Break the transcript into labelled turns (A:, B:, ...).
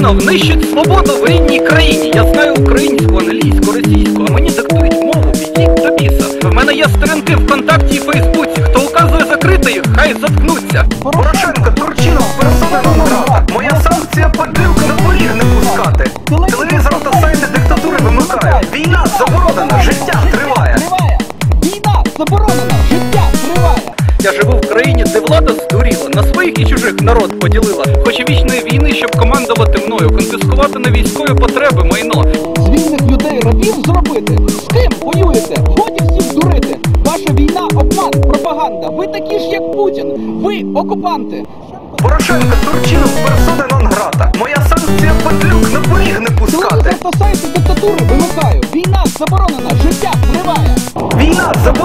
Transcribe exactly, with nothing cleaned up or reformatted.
A: Турчинов нищить свободу в рідній країні. Я знаю українську, англійську, російську, а мені диктують мову, ідіть до біса. В мене є сторінки ВКонтакті і Фейсбуці. Хто указує закрити їх, хай заткнуться. Порошенко, Турчинов, персона нон грата. Моя санкція падлюк на поріг не пускати. Телевізор та сайти диктатури вимикаю. Війна заборонена, життя триває.
B: Війна заборонена, життя триває.
A: Я живу в країні, де влада здуріла, на своїх і чужих народ поділила. Хоче вічної війни, щоб командувати мною, конфіскувати на військові потреби майно.
B: З вільних людей рабів зробити? З ким воюєте? Годі всіх дурити. Ваша війна – обман, пропаганда. Ви такі ж, як Путін. Ви – окупанти.
A: Порошенко, Турчинов, персона нон грата. Моя санкція падлюк на поріг не пускати.
B: Телевізор та сайти диктатури вимикаю. Війна заборонена, життя триває.
A: Війна заборонена.